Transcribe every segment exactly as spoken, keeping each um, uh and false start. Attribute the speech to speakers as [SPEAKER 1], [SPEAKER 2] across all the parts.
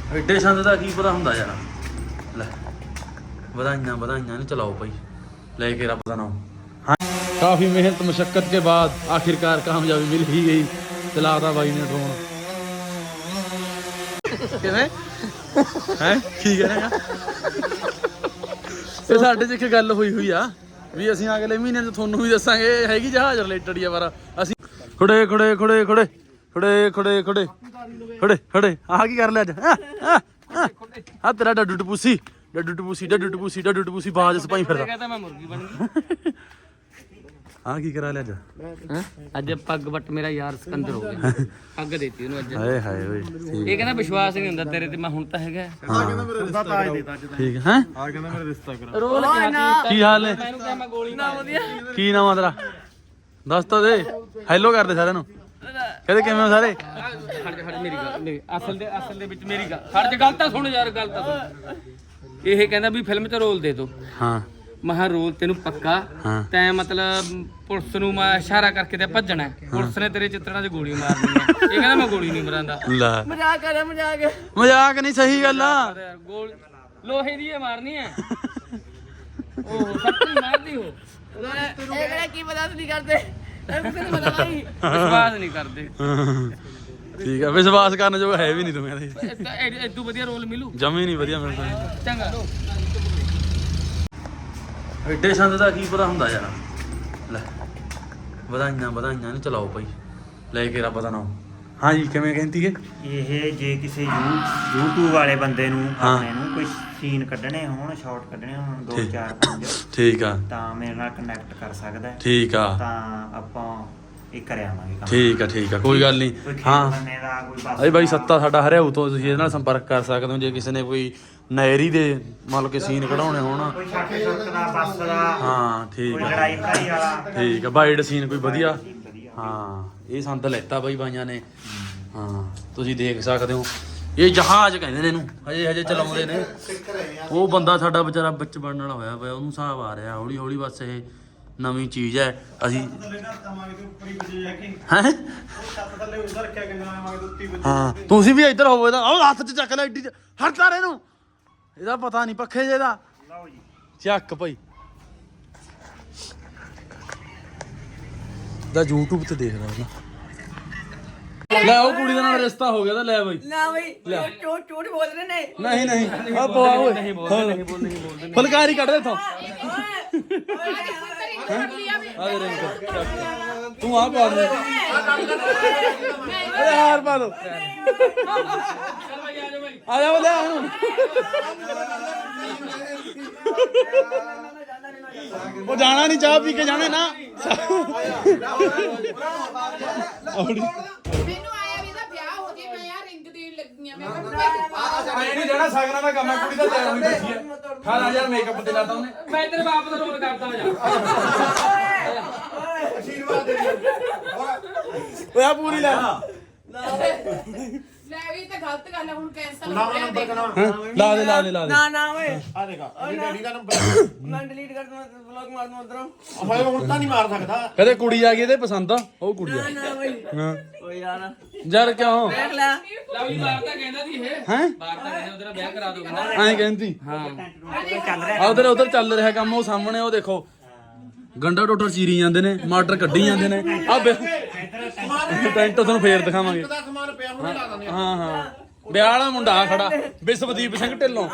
[SPEAKER 1] ਐਡੇ ਸੰਦ ਦਾ ਕੀ ਪਤਾ ਹੁੰਦਾ ਯਾਰ। ਲੈ ਵਧਾਈਆਂ ਵਧਾਈਆਂ ने चलाओ भाई लेके रब का नाम। हाँ काफ़ी मेहनत मशक्क़त के बाद आखिरकार कामयाबी मिल ही गई। चलाता भाई ने ड्रोन है ठीक है ना। ਇਹ ਸਾਡੇ 'ਚ ਇੱਕ ਗੱਲ ਹੋਈ ਹੋਈ ਆ ਵੀ ਅਸੀਂ ਅਗਲੇ ਮਹੀਨੇ 'ਚ ਤੁਹਾਨੂੰ ਵੀ ਦੱਸਾਂਗੇ ਹੈਗੀ ਜਹਾਜ਼ ਰਿਲੇਟਡ ਹੀ ਆ ਪਰ ਅਸੀਂ ਖੜੇ ਖੜੇ ਖੜੇ ਖੜੇ ਖੜੇ ਖੜੇ ਖੜੇ ਖੜੇ ਖੜੇ ਆਹ ਕੀ ਕਰ ਲਿਆ ਅੱਜ ਆ ਤੇਰਾ ਡੱਡੂ ਟਪੂਸੀ ਡੱਡੂ ਟਪੂਸੀ ਡੱਡੂ ਟਪੂਸੀ ਡੱਡੂ ਟਪੂਸੀ ਬਾਜ ਸਪਾਈ ਫਿਰਦਾ ਕਹਿੰਦਾ ਮੈਂ ਮੁਰਗੀ ਬਣ ਗਈ। ਹਾਂ ਕੀ ਕਰਾ ਲਿਆ ਅੱਜ ਹੈ ਅੱਜ ਪੱਗ ਵੱਟ ਮੇਰਾ ਯਾਰ ਸਿਕੰਦਰ ਹੋ ਗਿਆ ਪੱਗ ਦੇਤੀ ਉਹਨੂੰ ਅੱਜ। ਹਾਏ ਹਾਏ ਓਏ ਇਹ ਕਹਿੰਦਾ ਵਿਸ਼ਵਾਸ ਨਹੀਂ ਹੁੰਦਾ ਤੇਰੇ ਤੇ ਮੈਂ ਹੁਣ ਤਾਂ ਹੈਗਾ। ਹਾਂ ਕਹਿੰਦਾ ਮੇਰਾ ਰਿਸ਼ਤਾ ਤਾਜ ਦੇਤਾ ਅੱਜ ਠੀਕ ਹੈ ਹੈ ਆ ਕਹਿੰਦਾ ਮੇਰਾ ਰਿਸ਼ਤਾ ਕਰਾ ਰੋਲ ਕੀ ਹਾਲ ਹੈ ਮੈਨੂੰ ਕਿਹਾ ਮੈਂ ਗੋਲੀ ਨਾ ਵਧੀਆ ਕੀ ਨਾਮ ਆ ਤੇਰਾ ਦੱਸ ਤਾਂ ਦੇ ਹੈਲੋ ਕਰਦੇ ਸਾਰਿਆਂ ਨੂੰ ਕਹਿੰਦੇ ਕਿਵੇਂ ਹੋ ਸਾਰੇ। ਖੜ ਜਾ ਖੜ ਮੇਰੀ ਗੱਲ ਮੇਰੀ ਅਸਲ ਦੇ ਅਸਲ ਦੇ ਵਿੱਚ ਮੇਰੀ ਗੱਲ ਖੜ ਜਾ ਗੱਲ ਤਾਂ ਸੁਣ ਯਾਰ ਗੱਲ ਤਾਂ ਸੁਣ। ਇਹ ਕਹਿੰਦਾ ਵੀ ਫਿਲਮ 'ਚ ਰੋਲ ਦੇ ਦੋ। ਹਾਂ ਮਹਾ ਰੋਲ ਤੈਨੂੰ ਪੱਕਾ ਤੈਂ ਮਤਲਬ ਪੁਲਿਸ ਨੂੰ ਮੈਂ ਇਸ਼ਾਰਾ ਕਰਕੇ ਤੇ ਭੱਜਣਾ ਪੁਲਿਸ ਨੇ ਤੇਰੇ ਚਿੱਤਰਾਂ 'ਚ ਗੋਲੀ ਮਾਰਨੀ ਹੈ। ਇਹ ਕਹਿੰਦਾ ਮੈਂ ਗੋਲੀ ਨਹੀਂ ਮਰਾਂਦਾ ਮਜ਼ਾਕ ਕਰ ਮਜ਼ਾਕ ਮਜ਼ਾਕ ਨਹੀਂ ਸਹੀ ਗੱਲ ਆ ਗੋਲ ਲੋਹੇ ਦੀ ਇਹ ਮਾਰਨੀ ਹੈ ਉਹ ਸੱਚੀ ਮਾਰਦੀ ਹੋ ਇਹ ਕਿਹੜਾ ਕੀ ਪਤਾ ਨਹੀਂ ਕਰਦੇ ਵਿਸ਼ਵਾਸ ਨਹੀਂ ਕਰਦੇ। ਠੀਕ ਆ ਵਿਸ਼ਵਾਸ ਕਰਨ ਜੋ ਹੈ ਵੀ ਨਹੀਂ ਤੁਮੇ ਇਦੋਂ ਵਧੀਆ ਰੋਲ ਮਿਲੂ ਜਮੇ ਨਹੀਂ ਵਧੀਆ ਮਿਲਦਾ ਚੰਗਾ। ਐਡੇ ਸੰਦ ਦਾ ਕੀ ਪਤਾ ਹੁੰਦਾ ਯਾਰ। ਲੈ ਵਧਾਈਆਂ ਵਧਾਈਆਂ ਨੇ ਚਲਾਓ ਭਾਈ ਲੈ ਕੇ ਰੱਬ ਦਾ ਨਾਮ। ਹਾਂ ਜੀ ਕਿਵੇਂ ਕਹਿੰਦੀ ਹੈ
[SPEAKER 2] ਇਹ ਜੇ ਕਿਸੇ YouTube ਵਾਲੇ ਬੰਦੇ ਨੂੰ ਆਪਣੇ ਨੂੰ ਕੋਈ ਸੀਨ ਕੱਢਣੇ ਹੋਣ ਸ਼ਾਰਟ ਕੱਢਣੇ ਹੋਣ ਦੋ ਚਾਰ ਪੰਜ
[SPEAKER 1] ਠੀਕ ਆ ਤਾਂ
[SPEAKER 2] ਮੇਰੇ ਨਾਲ ਕਨੈਕਟ ਕਰ ਸਕਦਾ
[SPEAKER 1] ਠੀਕ ਆ
[SPEAKER 2] ਤਾਂ ਆਪਾਂ ਇਹ ਕਰ ਆਵਾਂਗੇ ਕੰਮ।
[SPEAKER 1] ਠੀਕ ਆ ਠੀਕ ਆ ਕੋਈ ਗੱਲ ਨਹੀਂ। ਹਾਂ ਅਰੇ ਬਾਈ ਸੱਤਾ ਸਾਡਾ ਹਰਿਆਊ ਤੋਂ ਤੁਸੀਂ ਇਹਦੇ ਨਾਲ ਸੰਪਰਕ ਕਰ ਸਕਦੇ ਹੋ ਜੇ ਕਿਸੇ ਨੇ ਕੋਈ ਨਹਿਰੀ ਦੇ ਮਤਲਬ ਕਿ ਸੀਨ ਕਢਾਉਣੇ ਹੋਣ
[SPEAKER 2] ਕੋਈ ਛਾਟੇ ਛੁੱਟ ਦਾ ਬੱਸ ਦਾ
[SPEAKER 1] ਹਾਂ ਠੀਕ ਆ
[SPEAKER 2] ਲੜਾਈ ਭਾਈ ਵਾਲਾ
[SPEAKER 1] ਠੀਕ ਆ ਬਾਈਡ ਸੀਨ ਕੋਈ ਵਧੀਆ ਹਾਂ ਇਹ ਸੰਦ ਲੈਤਾ ਬਾਈ ਬਾਈਆਂ ਨੇ। ਹਾਂ ਤੁਸੀਂ ਦੇਖ ਸਕਦੇ ਹੋ ਇਹ ਜਹਾਜ਼ ਕਹਿੰਦੇ ਨੇ ਇਹਨੂੰ ਹਜੇ ਹਜੇ ਚਲਾਉਂਦੇ ਨੇ। ਉਹ ਬੰਦਾ ਸਾਡਾ ਵਿਚਾਰਾ ਵਿੱਚ ਬਣਨ ਵਾਲਾ ਹੋਇਆ ਪਿਆ ਉਹਨੂੰ ਹਿਸਾਬ ਆ ਰਿਹਾ ਹੌਲੀ ਹੌਲੀ ਬਸ ਇਹ ਨਵੀਂ ਚੀਜ਼ ਹੈ ਅਸੀਂ ਹੈ ਹਾਂ ਤੁਸੀਂ ਵੀ ਇੱਧਰ ਹੋਵੋ ਇਹਦਾ ਉਹ ਹੱਥ 'ਚ ਚੱਕ ਲੈ ਐਡੀ ਹਟਦਾ ਰਹੇ ਇਹਨੂੰ ਇਹਦਾ ਪਤਾ ਨਹੀਂ ਪੱਖੇ ਜੇ ਦਾ ਚੱਕ ਭਾਈ ਦਾ YouTube ਤੇ ਦੇਖਦਾ ਉਹਦਾ ਲੈ ਉਹ ਕੁੜੀ ਦਾ ਨਾਲ ਰਿਸ਼ਤਾ ਹੋ ਗਿਆ ਤਾਂ ਲੈ ਬਾਈ
[SPEAKER 3] ਨਾ ਬਈ ਝੂਠ ਝੂਠ ਬੋਲ ਰਹੇ ਨੇ
[SPEAKER 1] ਨਹੀਂ ਨਹੀਂ ਆ ਪਵਾ ਓਏ ਨਹੀਂ ਬੋਲਦੇ ਨਹੀਂ ਬੋਲਦੇ ਨਹੀਂ ਬੋਲਦੇ ਫੁਲਕਾਰੀ ਕੱਢ ਦੇ ਇਥੋਂ ਆ ਦੇ ਰਿੰਗ ਤੂੰ ਆ ਪਾ ਦੇ ਓਏ ਹਾਰ ਪਾ ਦੋ ਆ ਜਾ ਬਲੇ ਹੁਣ ਉਹ ਜਾਣਾ ਨਹੀਂ ਚਾਹ ਪੀ ਕੇ ਜਾਣੇ ਨਾ
[SPEAKER 4] ਮੈਨੂੰ ਆਇਆ ਵੀ ਦਾ ਵਿਆਹ ਹੋ ਜੇ ਮੈਂ ਯਾਰ ਰਿੰਗ ਦੇਣ ਲੱਗੀ ਆ ਮੈਂ
[SPEAKER 1] ਮੈਂ ਨਹੀਂ ਜਾਣਾ ਸਾਗਰਾਂ ਦਾ ਕੰਮ ਹੈ ਕੁੜੀ ਦਾ ਤਿਆਰ ਹੋਈ ਬੈਠੀ ਹੈ ਅਠਾਰਾਂ ਹਜ਼ਾਰ ਮੇਕਅਪ ਤੇ ਲਾਤਾ ਉਹਨੇ ਮੈਂ ਤੇਰੇ ਬਾਪ ਦਾ ਰੋਲ ਕਰਦਾ ਜਾ ਆਸ਼ੀਰਵਾਦ ਦੇ ਓਏ ਆ ਪੂਰੀ ਲੈ
[SPEAKER 4] ਲੈ ਵੀ ਤਾਂ ਗਲਤ ਗੱਲ ਹੈ ਹੁਣ ਕੈਂਸਲ ਹੋ ਗਿਆ ਦੇਖ
[SPEAKER 1] ਲਾ ਦੇ ਲਾ ਦੇ ਲਾ ਦੇ
[SPEAKER 3] ਨਾ ਨਾ ਓਏ
[SPEAKER 5] ਆ ਦੇਖਾ ਇਹ ਡੈਡੀ ਦਾ ਨੰਬਰ
[SPEAKER 3] ਮੈਂ ਡਿਲੀਟ ਕਰ ਦੂੰ ਵਲੌਗ ਮਾਰ ਦੂੰ ਉਧਰੋਂ
[SPEAKER 5] ਓਏ ਹੁਣ ਤਾਂ ਨਹੀਂ ਮਾਰ ਸਕਦਾ
[SPEAKER 1] ਕਦੇ ਕੁੜੀ ਆ ਗਈ ਇਹਦੇ ਪਸੰਦ ਆ ਉਹ ਕੁੜੀ ਆ
[SPEAKER 3] ਨਾ ਬਈ
[SPEAKER 1] ਹਾਂ
[SPEAKER 3] ਓਏ ਯਾਰ
[SPEAKER 1] ਯਾਰ ਕਿਉਂ
[SPEAKER 3] ਦੇਖ ਲੈ
[SPEAKER 4] ਲਵਲੀ ਬਾਹਰ ਤਾਂ ਕਹਿੰਦਾ ਸੀ ਇਹ
[SPEAKER 1] ਹੈ
[SPEAKER 4] ਬਾਹਰ ਤਾਂ ਕਹਿੰਦਾ ਉਹਦਾ ਵਿਆਹ ਕਰਾ ਦੋ ਕਹਿੰਦਾ
[SPEAKER 1] ਐਂ ਕਹਿੰਦੀ
[SPEAKER 2] ਹਾਂ ਚੱਲ ਰਿਹਾ
[SPEAKER 1] ਆ ਉਧਰ ਉਧਰ ਚੱਲ ਰਿਹਾ ਕੰਮ ਉਹ ਸਾਹਮਣੇ ਉਹ ਦੇਖੋ ਗੰਡਾ ਟੋਟਰ ਚੀਰੀ ਜਾਂਦੇ ਨੇ ਮਟਰ ਕੱਢੀ ਜਾਂਦੇ ਨੇ ਆ ਟੈਂਟ ਤੁਹਾਨੂੰ ਫੇਰ ਦਿਖਾਵਾਂਗੇ
[SPEAKER 5] ਦਾ ਸਮਾਨ ਪਿਆ ਹੁਣੇ ਲਾ ਦਿੰਦੇ
[SPEAKER 1] ਹਾਂ ਹਾਂ ਵਿਆਹ ਵਾਲਾ ਮੁੰਡਾ ਆ ਖੜਾ ਵਿਸ਼ਵਦੀਪ ਸਿੰਘ ਢਿੱਲੋਂ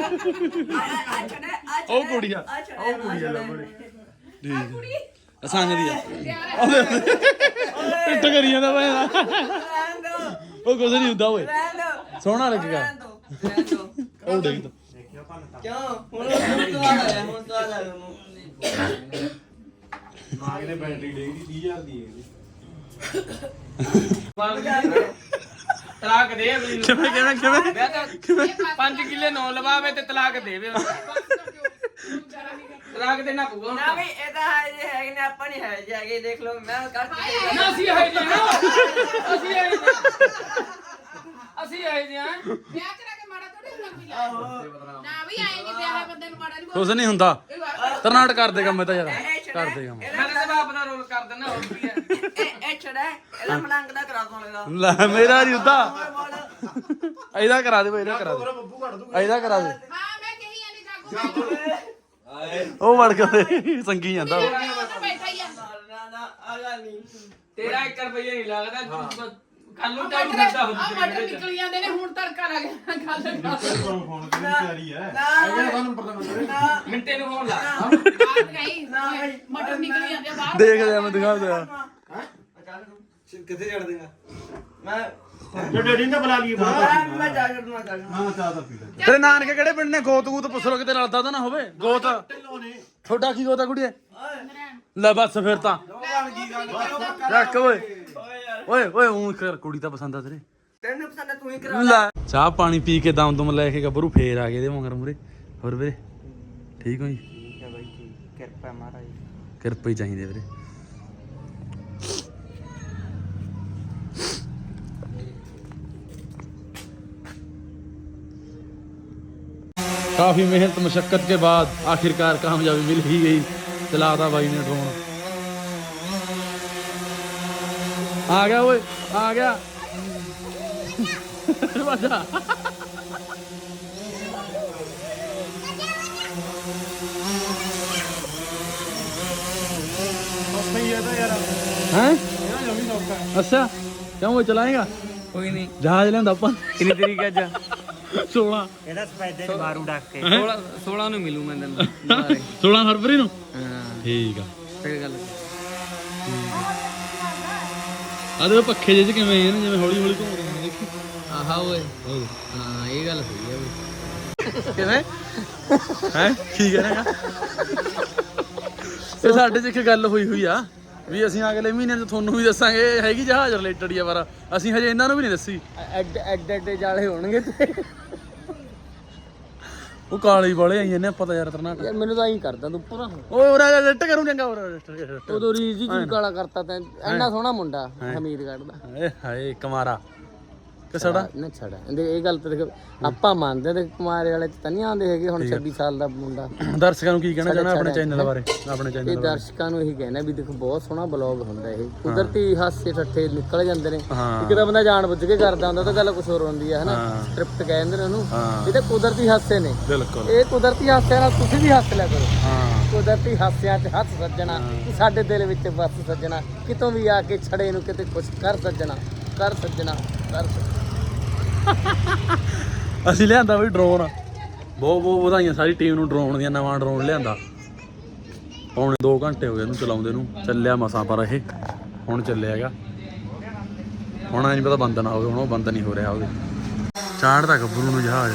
[SPEAKER 1] ਉਹ ਕੁੜੀ ਆ ਉਹ ਕੁੜੀ ਆ ਲੱਭਣੀ ਠੀਕ ਸੰਗ ਦੀ ਆ ਟਿੱਟ ਕਰੀ ਜਾਂਦਾ ਭਾਈ ਉਹ ਕੁਝ ਨਹੀਂ ਹੁੰਦਾ ਓਏ ਸੋਹਣਾ ਲੱਗੇਗਾ ਉਹ ਦੇਖ ਤਾ
[SPEAKER 3] ਕਿਉਂ ਹੁਣ ਤੋਂ ਆ ਗਿਆ ਹੁਣ ਤੋਂ ਆ ਗਿਆ
[SPEAKER 5] ਮਾਂ ਨੇ ਬੈਟਰੀ ਡੇਗੀ ਤੀਹ ਹਜ਼ਾਰ ਦੀ
[SPEAKER 4] ਤਲਾਕ ਦੇ ਅਗਲੀ ਨੂੰ
[SPEAKER 1] ਕਿਵੇਂ ਕਿਵੇਂ ਕਿਵੇਂ
[SPEAKER 4] ਮੈਂ ਤਾਂ
[SPEAKER 1] ਕਿਵੇਂ
[SPEAKER 4] ਪੰਜ ਕਿੱਲੇ ਨੌ ਲਵਾਵੇ ਤੇ ਤਲਾਕ ਦੇਵੇ ਤਲਾਕ ਦੇਣਾ ਪਊਗਾ
[SPEAKER 3] ਨਾ ਬਈ ਇਹ ਤਾਂ ਹੈ ਜੇ ਹੈ ਕਿ ਆਪਾਂ ਨਹੀਂ ਹੈ ਜੇ ਹੈਗੇ ਦੇਖ ਲਓ ਮੈਂ ਕਰ
[SPEAKER 4] ਨਾ ਅਸੀਂ ਹੈ ਜੀ ਅਸੀਂ ਹੈ ਜੀ ਅਸੀਂ ਹੈ ਜੀ ਵਿਆਹ ਕਰਾ ਕੇ ਮਾੜਾ ਥੋੜੀ ਲੱਗ ਵੀ ਨਾ ਵੀ ਆਏ ਨਹੀਂ ਵਿਆਹ ਬੰਦੇ ਨੂੰ ਮਾੜਾ ਨਹੀਂ
[SPEAKER 1] ਕੁਛ ਨਹੀਂ ਹੁੰਦਾ ਤਰਨਾਟ ਕਰ ਦੇਗਾ ਮੈਂ ਤਾਂ ਯਾਰ ਕਰ ਦੇਗਾ
[SPEAKER 4] ਮੈਂ ਤਾਂ ਬਾਪ ਦਾ ਰੋਲ ਕਰ ਦਿੰਦਾ ਹੋਰ ਕੀ ਹੈ
[SPEAKER 3] ਇਹ ਇਹ ਛੜਾ ਇਹਦਾ ਮਲੰਗ ਦਾ ਕਰਾ ਦੋ ਲੇਗਾ
[SPEAKER 1] ਲੈ ਮੇਰਾ ਨਹੀਂ ਹੁੰਦਾ ਇਹਦਾ ਕਰਾ ਦੇ ਬਈ ਇਹਦਾ ਕਰਾ ਦੇ
[SPEAKER 5] ਬੱਬੂ ਕੱਢ ਦੂਗਾ
[SPEAKER 1] ਇਹਦਾ ਕਰਾ ਦੇ
[SPEAKER 4] ਹਾਂ ਮੈਂ ਕਹੀ ਜਾਂਦੀ ਜਾਗੋ
[SPEAKER 1] ਉਹ ਵੜ ਕੇ ਸੰਗੀ ਜਾਂਦਾ ਉਹ।
[SPEAKER 4] ਬੈਠਾ ਹੀ ਆ
[SPEAKER 3] ਨਾ ਨਾ ਆਗਾ ਨਹੀਂ ਤੇਰਾ ਇੱਕ ਰੁਪਈਆ ਨਹੀਂ ਲੱਗਦਾ ਕੱਲ ਨੂੰ ਟਾਈਮ
[SPEAKER 4] ਮਟਰ
[SPEAKER 3] ਕਰਦਾ
[SPEAKER 4] ਆ
[SPEAKER 3] ਹੁੰਦੀ
[SPEAKER 4] ਮਟਰ ਨਿਕਲ ਜਾਂਦੇ ਨੇ ਹੁਣ ਤੜਕਾ ਲੱਗ ਗਿਆ ਗੱਲ ਕਰ
[SPEAKER 5] ਫੋਨ ਕਰਨ ਦੀ ਤਿਆਰੀ ਹੈ ਹੈਗਾ ਤਾਂ ਨੰਬਰ ਦਾ
[SPEAKER 3] ਮਿੰਟੇ ਨੂੰ ਫੋਨ ਲਾ
[SPEAKER 4] ਬਾਤ ਗਈ ਮਟਰ ਨਿਕਲ ਜਾਂਦੇ ਆ ਬਾਹਰ
[SPEAKER 1] ਦੇਖ ਲਿਆ ਮੈਂ ਦਿਖਾਉਂਦਾ
[SPEAKER 5] ਕਿੱਥੇ ਛੱਡ ਦੇਗਾ
[SPEAKER 3] ਮੈਂ
[SPEAKER 5] ਜੇ ਡੈਡੀ ਨੇ ਬੁਲਾ ਲਈ
[SPEAKER 3] ਮੈਂ ਜਾ ਕਰਨਾ ਜਾ
[SPEAKER 5] ਹਾਂ ਚਾਹ ਤਾਂ ਪੀ ਲੈ
[SPEAKER 1] ਤੇਰੇ ਨਾਨਕੇ ਕਿਹੜੇ ਪਿੰਡ ਨੇ? ਗੋਤ ਗੂਤ ਪੁੱਛ ਲੋ ਕਿਤੇ ਰਲਦਾ ਤਾਂ ਨਾ ਹੋਵੇ। ਗੋਤ
[SPEAKER 5] ਢਿੱਲੋਂ ਨੇ
[SPEAKER 1] ਤੁਹਾਡਾ ਕੀ ਗੋਤਾ ਕੁੜੀਏ? ਲੈ ਬਸ ਫਿਰ ਤਾਂ
[SPEAKER 5] ਕੀ ਗੱਲ
[SPEAKER 1] ਰੱਖ ਓਏ ਓਏ ਓਏ ਉਹ ਕਰ ਕੁੜੀ ਤਾਂ ਪਸੰਦ ਆ ਤੇਰੇ।
[SPEAKER 3] ਤੈਨੂੰ ਪਸੰਦ ਹੈ ਤੂੰ ਹੀ ਕਰਾ
[SPEAKER 1] ਲੈ ਚਾਹ ਪਾਣੀ ਪੀ ਕੇ ਦਮ ਦਮ ਲੈ ਕੇ ਗੱਭਰੂ ਫੇਰ ਆ ਗਏ ਇਹਦੇ ਮਗਰ ਮੂਰੇ। ਹੋਰ ਵੀਰੇ ਠੀਕ ਹੋ ਜੀ?
[SPEAKER 2] ਠੀਕ ਹੈ ਬਾਈ ਠੀਕ ਕਿਰਪਾ ਮਹਾਰਾਜ
[SPEAKER 1] ਕਿਰਪਾ ਹੀ ਚਾਹੀਦੀ ਵੀਰੇ। काफी मेहनत मशक्कत के बाद आखिरकार कामयाबी मिल ही गई। चलाता भाई ने ड्रोन। आ गया ओए आ गया बचा
[SPEAKER 5] ਸਹੀ ਹੈ ਤਾਂ ਯਾਰ
[SPEAKER 1] हैं?
[SPEAKER 5] ਇਹ ਜਮੀ ਸੌਖਾ
[SPEAKER 1] अच्छा क्यों वो चलाएगा?
[SPEAKER 3] ਕੋਈ ਨਹੀਂ
[SPEAKER 1] जहाज लेंदा अपन
[SPEAKER 3] ਕਿੰਨੀ ਤਰੀਕ ਅੱਜ
[SPEAKER 1] सोलह
[SPEAKER 2] ਇਹਦਾ ਸਪੈਦੇ ਚ ਮਾਰੂ ਡੱਕ ਕੇ
[SPEAKER 3] ਸੋਲਾਂ ਸੋਲਾਂ ਨੂੰ ਮਿਲੂ ਮੈਂ ਤੈਨੂੰ ਦੁਬਾਰੇ
[SPEAKER 1] सोलह फरवरी ਨੂੰ
[SPEAKER 3] ਹਾਂ
[SPEAKER 1] ਠੀਕ ਆ।
[SPEAKER 3] ਫੇਰ ਗੱਲ
[SPEAKER 1] ਆ ਦੇ ਪੱਖੇ ਜਿਹੇ ਚ ਕਿਵੇਂ ਇਹਨੇ ਜਿਵੇਂ ਹੌਲੀ ਹੌਲੀ ਘੁੰਮ ਰਹੇ ਨੇ ਦੇਖੀ।
[SPEAKER 3] ਆਹਾ ਓਏ ਹਾਂ ਇਹ ਗੱਲ ਸਹੀ ਹੈ ਓਏ
[SPEAKER 1] ਕਿਵੇਂ ਹੈ ਕੀ ਕਹਿਣਾ ਇਹ ਸਾਡੇ ਚ ਇੱਕ ਗੱਲ ਹੋਈ ਹੋਈ ਆ ਵੀ ਅਸੀਂ ਅਗਲੇ ਮਹੀਨੇ ਚ ਤੁਹਾਨੂੰ ਵੀ ਦੱਸਾਂਗੇ। ਇਹ ਹੈਗੀ ਜਹਾਜ਼ ਰਿਲੇਟਡ ਹੀ ਆ ਪਰ ਅਸੀਂ ਹਜੇ ਇਹਨਾਂ ਨੂੰ ਵੀ ਨਹੀਂ ਦੱਸੀ।
[SPEAKER 3] ਐਡ ਐਡ ਐਡ ਜਾਲੇ ਹੋਣਗੇ ਤੇ
[SPEAKER 1] ਉਹ ਕਾਲੇ ਵਾਲੇ ਆਈ ਜਾਂਦੇ ਆਪਾਂ ਤਾਂ ਯਾਰ ਤਰਨਾਟ।
[SPEAKER 3] ਯਾਰ ਮੈਨੂੰ ਤਾਂ ਐਂ ਕਰਦਾ ਤੂੰ ਪੂਰਾ
[SPEAKER 1] ਓਏ ਉਹ ਰੈਟ ਕਰੂੰ ਚੰਗਾ ਉਹ
[SPEAKER 3] ਉਦੋਂ ਰੀਜ ਜੀ ਕਾਲਾ ਕਰਤਾ ਤੈਂ ਇੰਨਾ ਸੋਹਣਾ ਮੁੰਡਾ ਹਮੀਦਗੜ੍ਹ ਦਾ
[SPEAKER 1] ਏ ਹਾਏ ਕਮਾਰਾ ਕਿਸੜਾ
[SPEAKER 3] ਨਾ ਛੜਾ ਇਹ ਗੱਲ ਤਾਂ ਦੇਖ ਆਪਾਂ ਮੰਨਦੇ ਤੇ ਕੁਮਾਰੇ ਵਾਲੇ ਚ ਤਾਂ ਨਹੀਂ ਆਉਂਦੇ ਹੈਗੇ ਹੁਣ ਛੱਬੀ ਸਾਲ ਦਾ ਮੁੰਡਾ।
[SPEAKER 1] ਦਰਸ਼ਕਾਂ ਨੂੰ ਕੀ ਕਹਿਣਾ ਚਾਹਣਾ ਆਪਣੇ ਚੈਨਲ ਬਾਰੇ? ਆਪਣੇ
[SPEAKER 3] ਇਹ
[SPEAKER 1] ਚੈਨਲ ਬਾਰੇ
[SPEAKER 3] ਦਰਸ਼ਕਾਂ ਨੂੰ ਇਹੀ ਕਹਿਣਾ ਵੀ ਦੇਖੋ ਬਹੁਤ ਸੋਹਣਾ ਬਲੌਗ ਹੁੰਦਾ ਇਹ ਕੁਦਰਤੀ ਹਾਸੇ ਠੱਠੇ ਨਿਕਲ ਜਾਂਦੇ ਨੇ।
[SPEAKER 1] ਹਾਂ।
[SPEAKER 3] ਇੱਕ ਤਾਂ ਬੰਦਾ ਜਾਣ ਬੁੱਝ ਕੇ ਕਰਦਾ ਹੁੰਦਾ ਤਾਂ ਗੱਲ ਕੁਝ ਹੋਰ ਹੁੰਦੀ ਹੈ ਹਨਾ ਸਕ੍ਰਿਪਟ ਕਹਿੰਦੇ ਨੇ ਉਹਨੂੰ।
[SPEAKER 1] ਹਾਂ।
[SPEAKER 3] ਇਹ ਤਾਂ ਕੁਦਰਤੀ ਹਾਸੇ ਨੇ।
[SPEAKER 1] ਬਿਲਕੁਲ
[SPEAKER 3] ਇਹ ਕੁਦਰਤੀ ਹਾਸਿਆਂ ਨਾਲ ਤੁਸੀਂ ਵੀ ਹੱਸ ਲਿਆ ਕਰੋ।
[SPEAKER 1] ਹਾਂ
[SPEAKER 3] ਕੁਦਰਤੀ ਹਾਸਿਆਂ 'ਚ ਹੱਸ ਸੱਜਣਾ ਕਿ ਸਾਡੇ ਦਿਲ ਵਿੱਚ ਵਸ ਸੱਜਣਾ ਕਿਤੋਂ ਵੀ ਆ ਕੇ ਛੜੇ ਨੂੰ ਕਿਤੇ ਕੁਛ ਕਰ ਸੱਜਣਾ ਕਰ ਸੱਜਣਾ ਕਰ ਸੱਜਣਾ।
[SPEAKER 1] ਅਸੀਂ ਲਿਆਂਦਾ ਬਈ ਡਰੋਨ। ਬਹੁਤ ਬਹੁਤ ਵਧਾਈਆਂ ਸਾਰੀ ਟੀਮ ਨੂੰ ਡਰੋਨ ਦੀਆਂ। ਨਵਾਂ ਡਰੋਨ ਲਿਆਂਦਾ ਪੌਣੇ ਦੋ ਘੰਟੇ ਹੋ ਗਏ ਇਹਨੂੰ ਚਲਾਉਂਦੇ ਨੂੰ। ਚੱਲਿਆ ਮਸਾਂ ਪਰ ਇਹ ਹੁਣ ਚੱਲਿਆ ਹੈਗਾ। ਹੁਣ ਐ ਨਹੀਂ ਪਤਾ ਬੰਦ ਨਾ ਹੋਵੇ। ਹੁਣ ਉਹ ਬੰਦ ਨਹੀਂ ਹੋ ਰਿਹਾ ਉਹਦੇ ਚਾੜਦਾ ਗੱਭਰੂ ਨੂੰ ਜਹਾਜ਼।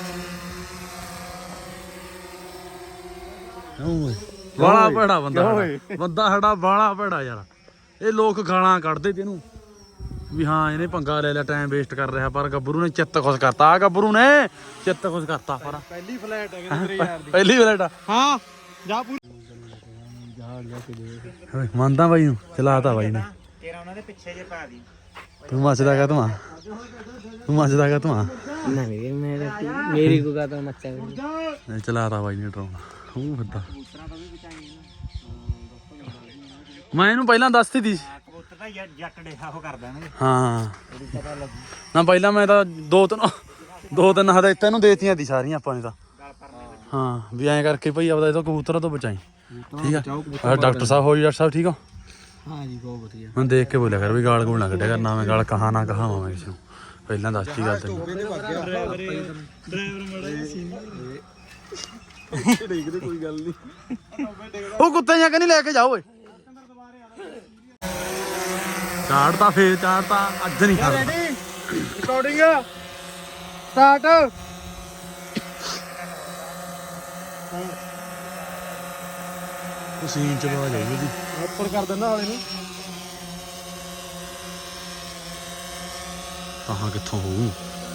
[SPEAKER 1] ਬਾਲਾ ਭੈੜਾ ਬੰਦਾ ਸਾਡਾ। ਬੰਦਾ ਸਾਡਾ ਬਾਲਾ ਭੈੜਾ ਯਾਰ। ਇਹ ਲੋਕ ਗਾਲਾਂ ਕੱਢਦੇ ਤੇ ਇਹਨੂੰ ਵੀ ਹਾਂ ਇਹਨੇ ਪੰਗਾ ਲੈ ਲਿਆ ਟਾਈਮ ਵੇਸਟ ਕਰ ਰਿਹਾ ਪਰ ਗੱਭਰੂ ਨੇ ਚਿੱਤ ਖੁਸ਼ ਕਰਤਾ। ਆ ਗੱਭਰੂ ਨੇ ਚਿੱਤ ਖੁਸ਼ ਕਰਤਾ ਪਰ
[SPEAKER 5] ਪਹਿਲੀ ਫਲੈਟ ਹੈ ਤੇਰੇ ਯਾਰ ਦੀ
[SPEAKER 1] ਪਹਿਲੀ ਫਲੈਟ ਆ।
[SPEAKER 5] ਹਾਂ ਜਾ ਪੂਰੀ
[SPEAKER 1] ਮੰਨਦਾ ਬਾਈ ਨੂੰ ਚਲਾਤਾ ਬਾਈ ਨੇ।
[SPEAKER 2] ਤੇਰਾ ਉਹਨਾਂ ਦੇ ਪਿੱਛੇ ਜੇ ਪਾ ਦੀ
[SPEAKER 1] ਤੂੰ ਮੱਚਦਾ ਕਾ ਤੂੰ ਤੂੰ ਮੱਚਦਾ ਕਾ ਤੂੰ
[SPEAKER 3] ਨਹੀਂ ਮੇਰੇ ਮੇਰੀ ਕੋ ਤਾਂ ਮੱਚਾ
[SPEAKER 1] ਚਲਾਤਾ ਬਾਈ ਨੇ ਡਰੋਨ। ਉਹ ਫਿਰਦਾ ਮੈਂ ਇਹਨੂੰ ਪਹਿਲਾਂ ਦੱਸਤੀ ਸੀ।
[SPEAKER 2] ਕਬੂਤਰ ਤਾਂ ਯਾਰ ਜੱਟ ਡੇਹਾ ਉਹ ਕਰ ਦੇਣਗੇ
[SPEAKER 1] ਹਾਂ ਨਾ ਪਹਿਲਾਂ ਮੈਂ ਤਾਂ ਦੋ ਤਿੰਨ ਦੋ ਤਿੰਨ ਹਦਾਇਤਾਂ ਇਹਨੂੰ ਦੇਤੀਆਂ ਸੀ ਸਾਰੀਆਂ ਆਪਾਂ ਨੇ ਤਾਂ। ਹਾਂ ਵੀ ਐਂ ਕਰਕੇ ਭਾਈ ਆਪਦਾ ਇਹ ਤੋਂ ਕਬੂਤਰਾਂ ਤੋਂ ਬਚਾਈ। ਠੀਕ ਆ ਡਾਕਟਰ ਸਾਹਿਬ ਹੋ ਜੀ? ਡਾਕਟਰ ਸਾਹਿਬ ਠੀਕ ਹੋ?
[SPEAKER 3] ਹਾਂ ਜੀ ਬਹੁਤ ਵਧੀਆ।
[SPEAKER 1] ਹੁਣ ਦੇਖ ਕੇ ਬੋਲਿਆ ਕਰ ਵੀ ਗਾਲ ਗੂਲ ਨਾ ਕੱਢਿਆ ਕਰ। ਨਾ ਮੈਂ ਗਾਲ ਕਹਾ ਨਾ ਕਹਾਵਾਂ ਮੈਂ ਕਿਸੇ ਨੂੰ। ਪਹਿਲਾਂ ਦੱਸਤੀ ਗੱਲ ਤੈਨੂੰ।
[SPEAKER 5] ਕੋਈ ਗੱਲ ਨਹੀਂ
[SPEAKER 1] ਉਹ ਕੁੱਤੇ ਜਾਂ ਕਿ ਨਹੀਂ ਲੈ ਕੇ ਜਾਓ ਓਏ। ਚਾੜਤਾ ਫੇਰ ਚਾੜਤਾ ਅੱਜ ਨਹੀਂ ਖਾ
[SPEAKER 5] ਰਿਕਾਰਡਿੰਗ ਸਟਾਰਟ
[SPEAKER 1] ਸੀਨ ਚ ਬਾਜ ਆਈ ਉਹਦੀ।
[SPEAKER 5] ਉੱਪਰ ਕਰ ਦਿੰਦਾ ਹਾਲੇ ਨੂੰ
[SPEAKER 1] ਕਹਾਂ ਕਿੱਥੋਂ ਹੋਊ?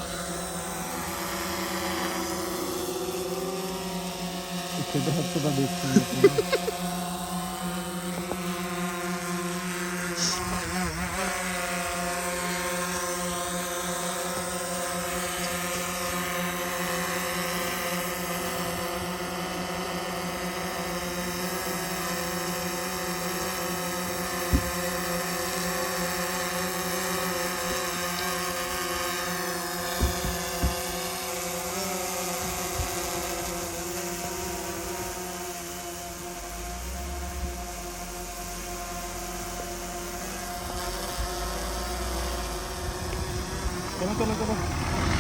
[SPEAKER 5] ਇੱਥੇ ਤਾਂ ਹੱਥ ਦਾ ਦੇਖ ਚਲੋ ਚਲੋ ਚਲੋ